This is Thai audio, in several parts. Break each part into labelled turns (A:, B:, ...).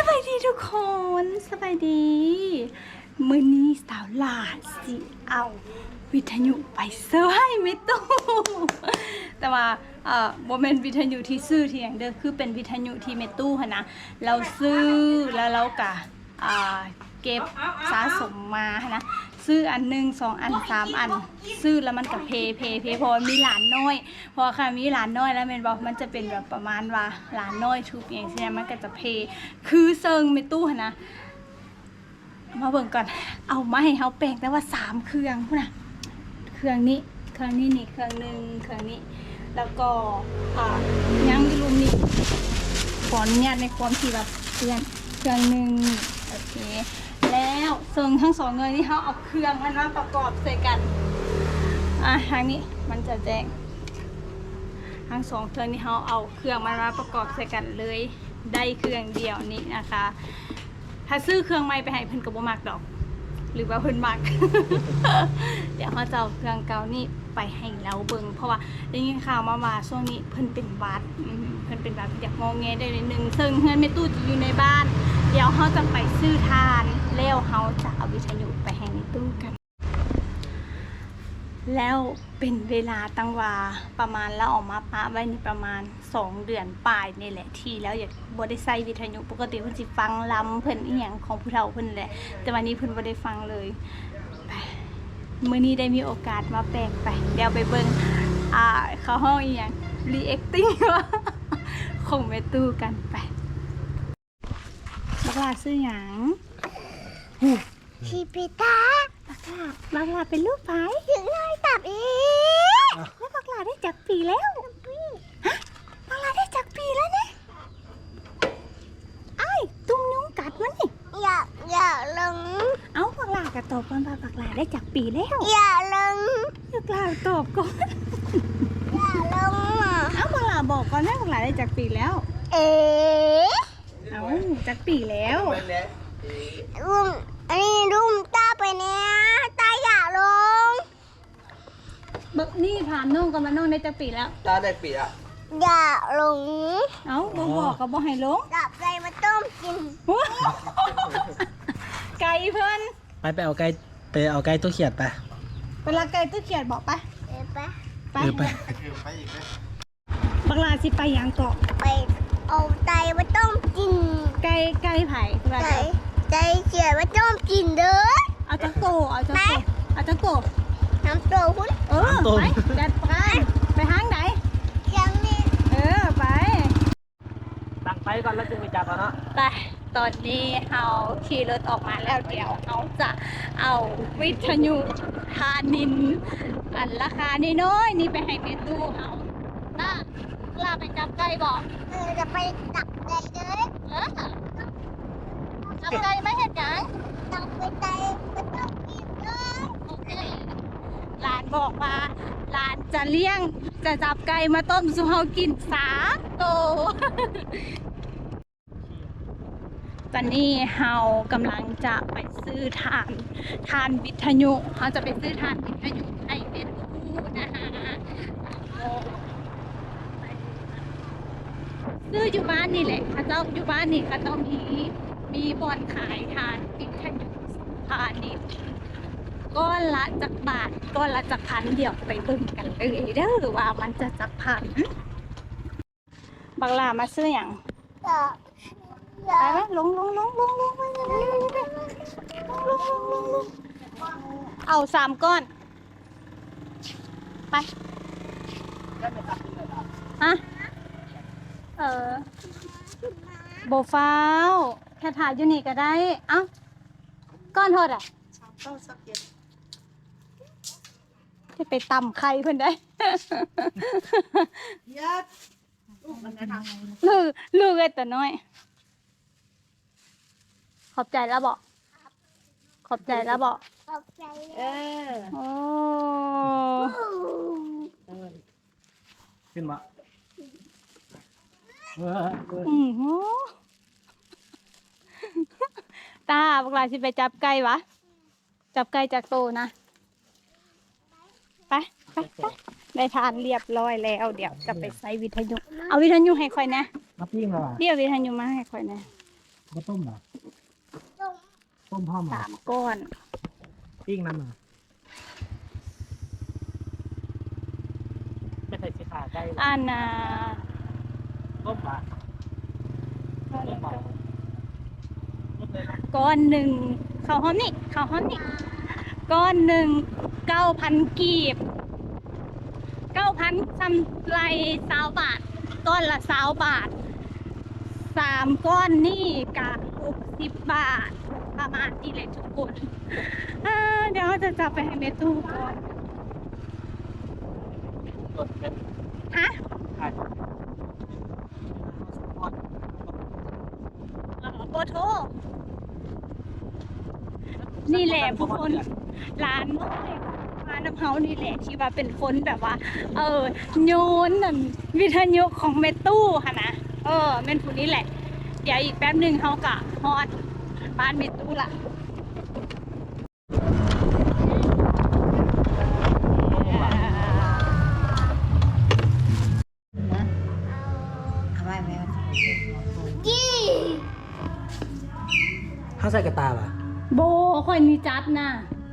A: บายดีทุกคนสบายดีมื้อนี้สาวหลาสิเอาวิทยุไปเซอร์ให้ไม่ตู้แต่ว่าโมเมนต์วิทยุที่ซื้อที่อย่างเดิมคือเป็นวิทยุที่เมตู้ค่ะนะเราซื้อแล้วเราก็เก็บสะสมมาค่ะนะซื้ออันหนึ่ง2 อัน 3 อันซื้อแล้วมันกับเพพอมีหลานน้อยพอค่ะมีหลานน้อยแล้วเมนบอกมันจะเป็นแบบประมาณว่าหลานน้อยทุบอย่างเช่นมันก็จะคือเซิงเมตู้ค่ะนะมาเบิ่งก่อนเอามาให้เขาแปลงแต่ว่า3 เครื่องพุ่นน่ะเครื่องนี้เครื่องนี้นี่เครื่องนึงเครื่องนี้แล้วก็ยังลุมนี่ขออนุญาตในความที่แบบเครื่องนึงโอเคแล้วเซิงทั้ง2 เงินนี่เขาเอาเครื่องมันมาประกอบใส่กันทางนี้มันจะแจ้งทั้ง2 เครื่องนี่เขาเอาเครื่องมันมาประกอบใส่กันเลยได้เครื่องเดียวนี้นะคะถ้าซื้อเครื่องใหม่ไปให้เพิ่นก็บ่มักดอกหรือว่าเพิ่นมัก เดี๋ยวเขาจะเอาเครื่องเก่านี่ไปให้เราเบิ่งเพราะว่าได้ยินข่าวมาว่าช่วงนี้เพิ่นเป็นหวัดเพิ่นเป็นหวัดอยากงอแงได้นิดนึงซึ่งเฮือนแม่ตู้จะอยู่ในบ้านเดี๋ยวเขาจะไปซื้อทานแล้วเขาจะเอาวิทยุไปให้ในตู้กันแล้วเป็นเวลาตั้งว่าประมาณแล้วออกมาปะไว้นี่ประมาณ2 เดือนปลายนี่แหละที่แล้วอยากบ่ได้ใส่วิทยุปกติเพิ่นสิฟังลำเพิ่นอีหยังของผู้เฒ่าเพิ่นแหละแต่วันนี้เพิ่นบ่ได้ฟังเลยมื้อนี้ได้มีโอกาสมาแปลกไปเดี๋ยวไปเบิ่งเขาห้องอีหยัง reacting ว่าของแม่ตู้กันไปบักหลาซื้อหยัง
B: ชีปิตา
A: บักหลาเป็นลูกไผ
B: ถึงเลยตับอี
A: แล้วบักหลาได้จักปีแล้วฮะบักหลาได้จักปีแล้วเนี่ยไอ้ตุ้มยุงกัดมันนี่
B: อย่าลง
A: เอ้าบักหลากระตอบก่อนว่าบักหลาได้จักปีแล้ว
B: อย่าลง
A: บักหลาตอบก่อน
B: อย่าลง
A: เอ้าบักหลาบอกก่อนว่าบักหลาได้จักปีแล้ว
B: เอ๋
A: เอ้าจักปีแล้ว
B: รุ่มอันนี้รุ่มตาไปเนี่ยตาอย่าลง
A: บักนี่ถามน้องกับมาน้องได้จักปีแล้ว
C: ตาได้ปีอ่ะ
B: อย่าลง
A: เอ้าบอกก็บอกให้ลง
B: จับใจมาต้มกิน
A: ไก่เพิ่น
C: ไปเอาไก่ตัวเขียดไป
A: เวลาไก่ตู้เขียดบอกไป
B: ไป
A: บักลาสิไปยังเกาะ
B: ไปเอาใจมาต้มกิน
A: ไก่ไผ่
B: ใจเขียดมาต้มกินเด้อ
A: เอาจังโก
B: น้ำโตคุณ
A: ไปจัดไปห้างไหน
B: ยังนี่
A: ไป
C: ตั้งไปก่อนแล้วจึงไปจับเอาเนาะ
A: ไปตอนนี้เอาขี่รถออกมาแล้วเดี๋ยวเขาจะเอาวิทยุทานินอันราคาน้อยนี่ไปให้เมตู้เขาน่าลาไปจับไก่บอก
B: จะไปจับใจเด้อ
A: จับไก่ไม่เห็นยัง
B: จับไปใจไม่ต้องกินเลย
A: โอเคหลานบอกว่าหลานจะเลี้ยงจะจับไก่มาต้มสุเฮากิน3 ตัวตอนนี้เฮากำลังจะไปซื้อทานวิทยุเขาจะไปซื้อทานวิทยุให้เป็นคู่นะคะซื้ออยู่บ้านนี่แหละเขาเจ้าอยู่บ้านนี่เขาต้องมีบ่อนขายทานวิทยุพาณิชย์ก้อนละจักบาทก้อนละจักพันเดี๋ยวไปเบิ่งกันเลยเด้อว่ามันจะจักพันบักลามาซื้ออย่างไปไหมลงเอา3 ก้อนไปฮะโบฟ้าวแค่ถ่ายอยู่นี่ก็ได้เอ้าก้อนโทษที่ไปตำไข่เพิ่นได้ลูกไอ้ตัวน้อยขอบใจแล้วบอก
B: ขอบใจ
A: โอ้
C: ขึ้นมา
A: ตาพวกเราสิไปจับไก่วะจับไก่จากโตนะไปได้ทานเรียบร้อยแล้วเดี๋ยวจะไปใส่วิทยุเอาวิทยุให้ค่อยนะ
C: มาปิ้งแล้ว
A: เดี๋ยววิทยุมาให้ค่อยนะ
C: บ่ต้มเหรอ
B: ต้ม
C: ต้มพร้อมเหรอ
A: 3 ก้อน
C: ปิ้งน้ำเหรอไม่ใส่สีขาใกล้หรอ
A: อันน่ะ
C: ต้มปะต้มปะต้มเลยนะ
A: ก้อนหนึ่งข้าวหอมนี่ก้อนหนึ่ง 9,000 กีบ 9,000ซ้ำไร20 บาท ก้อนละ20 บาท 3 ก้อนนี่กะ60 บาท ประมาณนี้เลยทุกคนเดี๋ยวเราจะจับไปให้เมตู้ก่อน
C: กดเป็น
A: ฮะ
C: ไข่
A: โบโทนี่แหละผู้คนร้านน้อยร้านน้ำเฮานี่แหละที่ว่าเป็นคนแบบว่า โยนนั่นวิทยุของเมตู้ค่ะนะแม่นผู้นี้แหละ เดี๋ยวอีกแป๊บหนึ่งเขากะฮอดบ้านเมตู้ละ
B: กี้
C: ข้าวใส่กระตาป่ะ
A: โบค่อยนี่จัดนะ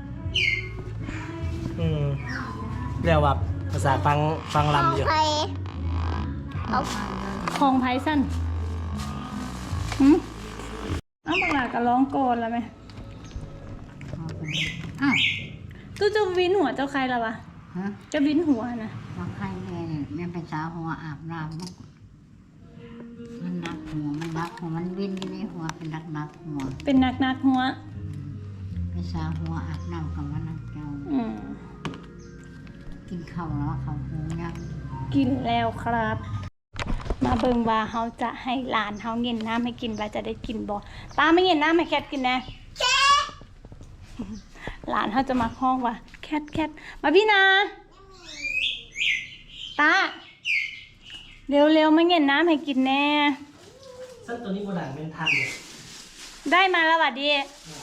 C: เรียกว่าภาษาฟังลำอยู่
B: ไปเอา
A: ของไพสันเอาบังหลาก็ร้องโกนแล้วไหมตู้จะวินหัวเจ้าใครละวะ
D: ฮะ
A: จะวินหัวนะ
D: ว่าใครแม่เนี่ยแม่เป็นสาวหัวอาบน้ำมันนักหัวมันวิ่นอยู่ในหัวเป็นนักหัว
A: เป็นนักหัว
D: เป็นสาวหัวอาบน้ำกับว่านักเจ้า กินข้าวแล้วเขาหูยัง
A: กินแล้วครับ มาเบิ่งว่าเขาจะให้หลานเขาเงินน้ำให้กินว่าจะได้กินบ่ตาไม่เงินน้ำให้แคทกินนะหลานเขาจะมาห้องว่าแคทมาพี่นาตาเร็วมาเงินน้ำให้กินแน่
C: ซึ่งตัวนี้โบราณเป็นทันเลย
A: ได้มาแล้ววัดดี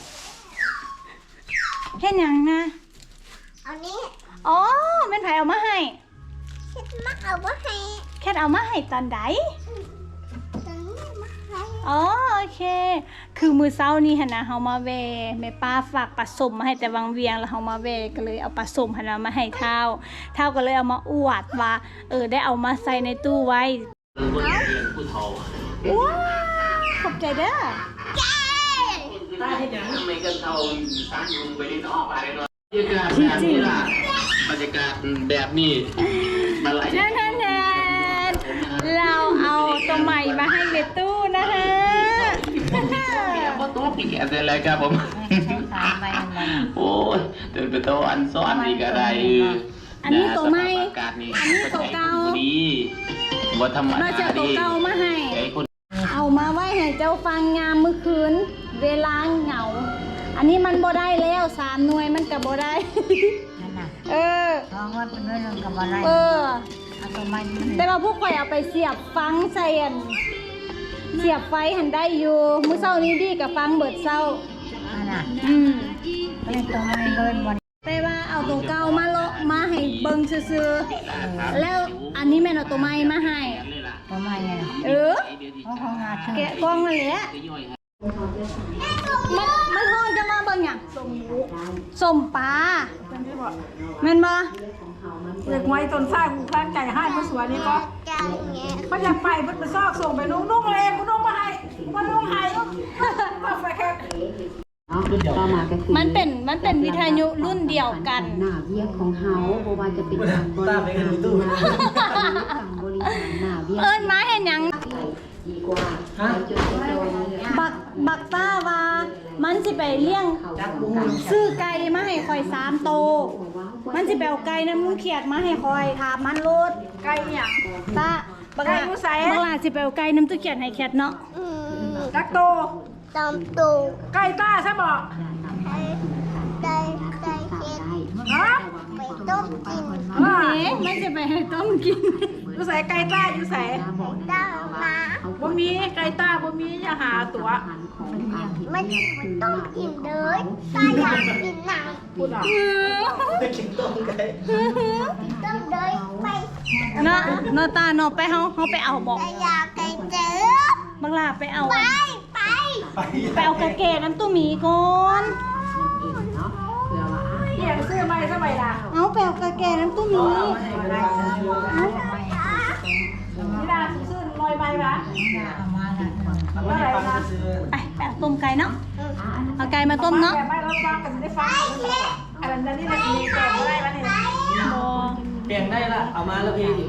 A: เห็นยังนะ
B: เอานี้
A: อ๋อแม่นไผเอามาให้
B: คิดมาเอาไว้ให้
A: แคทเอามาให้ตอนใด
B: ตอนนี้มาให้
A: อ๋อโอเค คือมือเช้านี้หั่นนะเฮามาแวแม่ป้าฝากปลาส้มมาให้แต่วังเวียงแล้วเฮามาแวก็เลยเอาปลาส้มหั่นนะมาให้เท้าก็เลยเอามาอวดว่าได้เอามาใส่ในตู้ไว้ว้าวขอบใจเด้อ
C: ตาเห็นยัง
E: ทำไมกันเท่าสามยุงไปได้นอกอะไรเนาะบรรยากาศแบบนี้ล่ะบรรยากาศแบบนี้มาไหล
A: นั่นเราเอาตัวใหม่มาให้เมตู้นะฮะ
E: เดี๋ยวก็ตัวเปลี่ยนอะไรครับผม
D: สามใบมันเลย
E: โอ้ยเดินไปโตอันซ้อนนี่ก็ได้
A: อันนี้ตัวใหม่
E: อากาศนี่
A: อันนี้ตัวเก่า
E: ดีว่าธรรม
A: มา
E: ดา
A: เจอตัว
E: ดี
A: เก่ามาให้
E: ไอ้คน
A: เอามาไว้ให้เจ้าฟังงามเมื่อคืน เวลาเหงา อันนี้มันบ่ได้แล้ว3 หน่วยมันก็บ่ได้
D: นั่นน่ะ
A: เออ
D: ท้องว่าเป็นเรื่องกับอะไร
A: เออ
D: เอาตัวไม้นี่
A: แต่ว่าพวกข่อยเอาไปเสียบฟังใส่อันเสียบไฟหันได้อยู่มื้อเช้านี้ดีกับฟังเบิดเช้า
D: นั่นน่ะ
A: ก็
D: เป็นตัวไม้เลยวัน
A: แต่ว่าเอาตัวเก่ามาเลาะมาให้เบิ่งซื่อๆแล้วอันนี้แม่นเอาตัวใหม่มาให้
D: ตัวไม้เนี่ย
A: เออ
D: เพราะของงาเชื่อ
A: แกะกล่องนั่นแหละมันฮ้อนจะมาเบิ่งหยังสมปลาแม่นบ่
F: เด็กไว้ตนสร้างกูข้างใจให้ผู้สวยนี่ก็
B: จานเงี้ย
F: มันอยากไปมันไปซอกส่งไปนุ่งเลยกูนุ่งมาให้มานุ่งให้มาไปแค่
G: ต่อมาก็คือ
A: มันเป็นวิทยุรุ่นเดียวกัน
G: หน้าเวียกของเฮาบ่ว่าจะเป็นการบริหารการบริหารหน้าเวียก
A: เอิ้นมาเห็นหยัง
G: ดีกว่าจุดเดียวเนี่ย
A: บักต้าว่ามันสิไปเลี้ยงซื้อไก่มาให้คอย3 โตวมันสิไปเอาไก่น้ำลุงเขียดมาให้คอยถามมันโลด
F: ไก่หยัง
A: ตาบักหลา
F: ไก่อยู่ไส
A: บักหลาสิไปเอาไก่น้ำตุเขียดให้แคทเนาะ
F: จักโต
B: ตอมตู
F: ไก่ต้าใช่บ่
B: ได้เค็ด
F: ฮะ
B: ไปต้มกิน
A: มันสิไปให้ต้มกิน
F: อยู่ใส่ไก่ต้าอยู่ใส่
B: ได้มา
F: บ่มีไก่ต้าบ่มีอย่าหาตัว
B: มันต้มกินเลยตาอยากกินหนัง
F: พูดอ่ะ
C: ได้กินต้มไก่
B: ต้มเลยไป
A: เนาะตาเนาะไปเฮาไปเอาบอก
B: ตาอยากไก่เจอ
A: บักหลาไปเอา
B: ไป
A: ไปเอากระเกน้ำตู้หมีก่อน
G: เนาะเผื่อว่า
F: เปลี่ยนซื้อใหม่สมัยละ
A: เอาไปเอากระเกน้ำตู้หมี
F: นี่นาซื้อลอยใบปะ
D: เอามาละ
F: เท่าไหร่นะ
A: ไปเอาต้มไก่เนาะเอาไก่มาต้มเนาะ
F: แต่ไม่เราฟังกันได้ฟังอันนั้นนี่เรามีแก่ได้ปะเนี่ย
A: บ่
C: เปลี่ยนได้ละเอามาแล้วพี่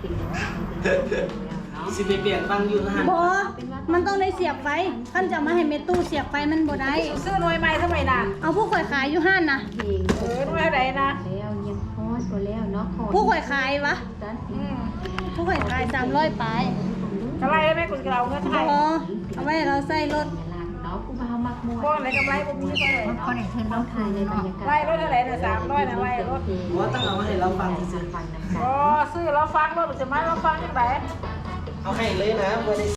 C: สิไปเปลี่ยนฟังอยู่นะฮะ
A: บ่มันต้องได้เสียบไฟท่านจะมาให้เมตู้เสียบไฟมันบ่ได้
F: ซื้อลอยใบสมัยละ
A: เอาผู้ข่อยขายอยู่ห้านนะ
G: เพลง
F: ลอยไหนนะ
G: แล้วยังพอดบ่แล้วเนาะขอ
A: ผู้ข่อยขายวะ
G: ตัด
A: ผู้ข่อยขาย300ปลาย
F: กำไรได้ไหมคุณเราเงินไท
A: บ่
F: ย
A: เอาไว้ให้เราใส่รถ
G: เนาะกูบ่าวมักม่วน
F: พวกไหนกำไรพวกนี้ก็เลย
D: มันก็ได้เทิน
G: เรา
D: เรา
G: ถ่ายในบรรยากาศ
F: ไล่รถเท่าไหร่เนี่ย300นะไล่รถ
C: ว่าต้องเอามาให้เราฟังซื่อ
G: ฟังนำกัน
F: อ๋อซื้อเราฟังรถหรือจะมาเราฟังยังไง
C: ๆเอาให้เลยนะบ่ได้